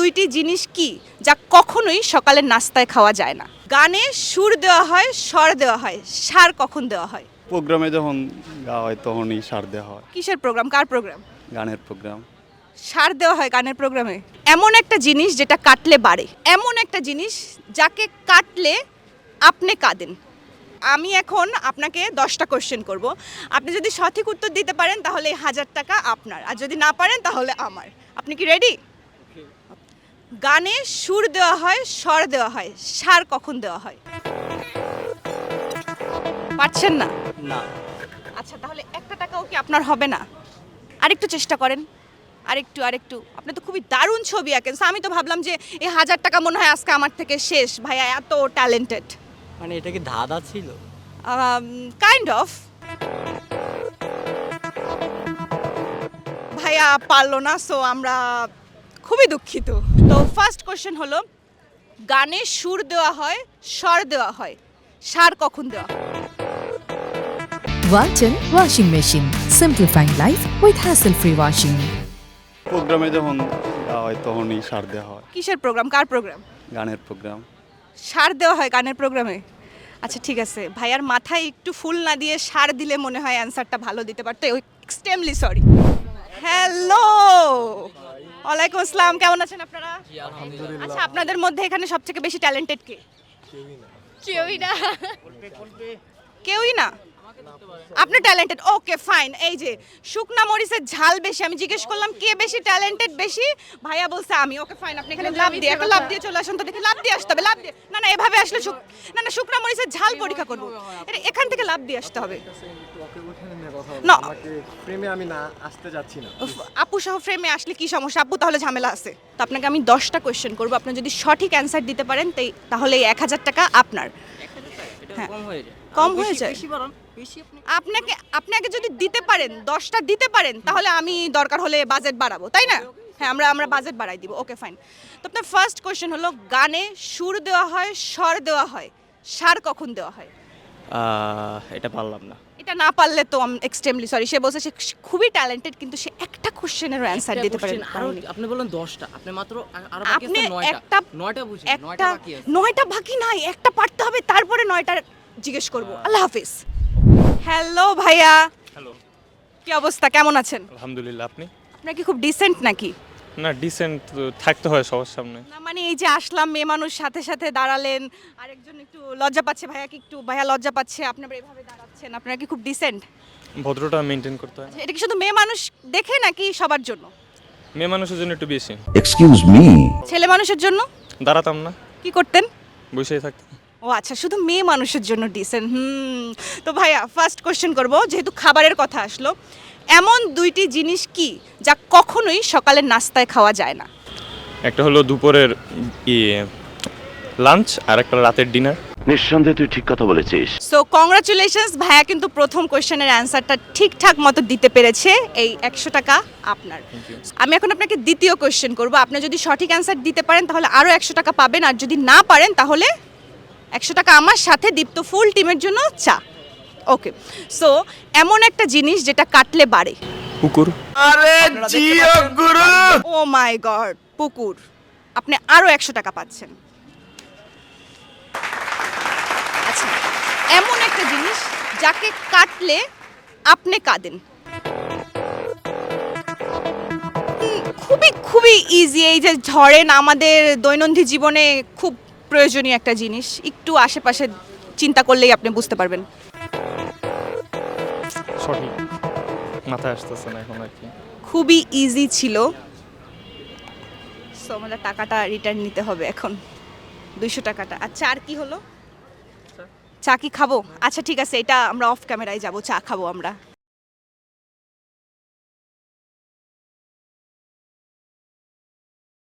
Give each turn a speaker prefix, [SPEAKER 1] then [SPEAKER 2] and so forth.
[SPEAKER 1] দুইটি জিনিস কি যা কখনোই সকালের নাস্তায় খাওয়া যায় না? গানে সুর দেওয়া হয়, স্বর দেওয়া হয়, সার কখন দেওয়া হয়?
[SPEAKER 2] প্রোগ্রামে যখন গাওয়া হয় তখনই সার দেওয়া হয়।
[SPEAKER 1] কিসের প্রোগ্রাম, কার প্রোগ্রাম?
[SPEAKER 2] গানের প্রোগ্রাম।
[SPEAKER 1] সার দেওয়া হয় গানের প্রোগ্রামে। এমন একটা জিনিস যেটা কাটলে বাড়ে, এমন একটা জিনিস যাকে কাটলে আপনি কাঁদেন। আমি এখন আপনাকে 10টা কোশ্চেন করব। আপনি যদি সঠিক উত্তর দিতে পারেন তাহলে এই 1000 টাকা আপনার, আর যদি না পারেন তাহলে আমার। আপনি কি রেডি? গানে সুর দেওয়া হয়, স্বর দেওয়া হয়, সার কখন দেওয়া হয়? পারছেন না?
[SPEAKER 2] না।
[SPEAKER 1] আচ্ছা, তাহলে 1টা টাকাও কি আপনার হবে না? আরেকটু চেষ্টা করেন, আরেকটু। আপনি তো খুবই দারুণ ছবি আঁকেন। So, আমি তো ভাবলাম যে এই 1000 টাকা মনে হয় আজকে আমার থেকে শেষ। ভাইয়া এত ট্যালেন্টেড।
[SPEAKER 3] মানে এটা কি ধাঁধা ছিল?
[SPEAKER 1] Kind of. ভাইয়া পারলো না, সো আমরা খুবই দুঃখিত। তো ফার্স্ট কোশ্চেন হলো, গানে সুর দেওয়া হয়, স্বর দেওয়া হয়, সার কখন দেওয়া হয়?
[SPEAKER 4] Walton Washing Machine. Simplifying life with hassle-free washing.
[SPEAKER 2] প্রোগ্রামে যখন গাওয়া হয় তখনই সার দেওয়া হয়।
[SPEAKER 1] কিসের প্রোগ্রাম, কার প্রোগ্রাম?
[SPEAKER 2] গানের প্রোগ্রাম।
[SPEAKER 1] সার দেওয়া হয় গানের প্রোগ্রামে? আচ্ছা ঠিক আছে, ভাইয়ার মাথায় একটু ফুল না দিয়ে সার দিলে মনে হয় অ্যান্সারটা ভালো দিতে পারতো। Extremely sorry. হ্যালো, ওয়ালাইকুম আসসালাম, কেমন আছেন আপনারা? আচ্ছা, আপনাদের মধ্যে এখানে সবথেকে বেশি ট্যালেন্টেড কে? কেউই না। আপনি ট্যালেন্টেড, ওকে ফাইন। এই যে শুকনা মরিচের ঝাল বেশি, আমি জিজ্ঞেস করলাম কে বেশি ট্যালেন্টেড বেশি, ভাইয়া বলছে আমি। ওকে ফাইন, আপনি এখানে লাভ দিয়ে চলে আসুন তো, দেখি লাভ দিয়ে আসতে হবে, লাভ দিয়ে না এভাবে আসলে না শুকনা মরিচের ঝাল পরীক্ষা করবো, এখান থেকে লাভ দিয়ে আসতে হবে। না
[SPEAKER 5] প্রেমে আমি না আসতে যাচ্ছি না।
[SPEAKER 1] আপু সহ ফ্রেমে আসলে কি সমস্যা? আপু তাহলে ঝামেলা আছে। তো আপনাকে আমি 10টা কোয়েশ্চেন করবো, আপনি যদি সঠিক অ্যান্সার দিতে পারেন তাহলে এই 1000 টাকা আপনার। হ্যাঁ, কম হয়ে যায়। আপনাকে যদি দিতে পারেন, 10টা দিতে পারেন, তাহলে আমি দরকার হলে বাজেট বাড়াবো, তাই না? হ্যাঁ, আমরা বাজেট বাড়াই দিব। Okay fine. তো আপনার ফার্স্ট কোশ্চেন হলো, গানে সুর দেওয়া হয়, স্বর দেওয়া হয়, সার কখন দেওয়া হয়?
[SPEAKER 3] এটা পারলাম না।
[SPEAKER 1] এটা না পারলে তো আমি এক্সট্রিমলি সরি। সে বলছে সে খুবই ট্যালেন্টেড, কিন্তু সে একটা কোশ্চেনেরও অ্যান্সার দিতে পারে না।
[SPEAKER 3] আপনি বললেন 10টা, আপনি মাত্র আরো
[SPEAKER 1] আপনি
[SPEAKER 3] বাকি আছে 9টা। 9টা বুঝি, 9টা বাকি আছে।
[SPEAKER 1] 9টা বাকি নাই, একটা পারতে হবে, তারপরে 9টা জিজ্ঞেস করব। আল্লাহ হাফেজ। হ্যালো ভাইয়া।
[SPEAKER 6] হ্যালো,
[SPEAKER 1] কি অবস্থা, কেমন আছেন?
[SPEAKER 6] আলহামদুলিল্লাহ। আপনি?
[SPEAKER 1] আপনার কি খুব ডিসেন্ট নাকি?
[SPEAKER 6] না, ডিসেন্ট থাকতে হয় সবার সামনে।
[SPEAKER 1] না মানে এই যে আসলাম, মেয়ে মানুষ সাথে সাথে দাঁড়ালেন, আরেকজন একটু লজ্জা পাচ্ছে, ভাইয়া লজ্জা পাচ্ছে, আপনি আবার এভাবে দাঁড়াচ্ছেন, আপনারা কি খুব ডিসেন্ট?
[SPEAKER 6] ভদ্রতা মেনটেন করতে হয়।
[SPEAKER 1] এটা কি শুধু মেয়ে মানুষ দেখে নাকি সবার জন্য?
[SPEAKER 6] মেয়ে মানুষের জন্য একটু বেশি।
[SPEAKER 7] Excuse me.
[SPEAKER 1] ছেলে মানুষের জন্য?
[SPEAKER 6] দাঁড়াতাম না,
[SPEAKER 1] কি করতেন?
[SPEAKER 6] বসেই থাকতাম।
[SPEAKER 1] ও আচ্ছা, শুধু মেয়ে মানুষের জন্য ডিসেন্ট। তো ভাইয়া ফার্স্ট কোশ্চেন করব, যেহেতু খাবারের কথা আসলো, এমন দুইটি জিনিস কি যা কখনোই সকালের নাস্তায় খাওয়া যায় না?
[SPEAKER 6] একটা হলো দুপুরের লাঞ্চ, আর একটা রাতের ডিনার।
[SPEAKER 7] নিঃসন্দেহে তুই ঠিক কথা বলেছিস।
[SPEAKER 1] সো কংগ্রাচুলেশনস, ভাইয়া কিন্তু প্রথম কোশ্চেনের অ্যান্সারটা ঠিকঠাক মতো দিতে পেরেছে। এই 100 টাকা আপনার। আমি এখন আপনাকে দ্বিতীয় কোশ্চেন করব। আপনি যদি সঠিক অ্যান্সার দিতে পারেন তাহলে আরও 100 টাকা পাবেন, আর যদি না পারেন তাহলে 100 টাকা আমার সাথে দীপ্ত ফুল টিমের জন্য চা। ওকে, সো এমন একটা জিনিস যেটা কাটলে বাড়ে।
[SPEAKER 6] পুকুর।
[SPEAKER 7] আরে জিও গুরু।
[SPEAKER 1] ও মাই গড, পুকুর। আপনি আরও 100 টাকা পাচ্ছেন। আচ্ছা, এমন একটা জিনিস যাকে কাটলে আপনি কাঁদেন। খুবই ইজি। এই যে ধরেন আমাদের দৈনন্দিন জীবনে খুব প্রয়োজনীয় একটা জিনিস, একটু আশেপাশে চিন্তা করলেই আপনি বুঝতে পারবেন।
[SPEAKER 6] সঠিক মাথায় আসতেছে না এখন আর কি।
[SPEAKER 1] খুবই ইজি ছিল। সো আমাদের টাকাটা রিটার্ন নিতে হবে এখন, 200 টাকাটা। আচ্ছা, আর কি হলো? চা কি খাবো? আচ্ছা ঠিক আছে, এটা আমরা অফ ক্যামেরায় যাব, চা খাবো আমরা।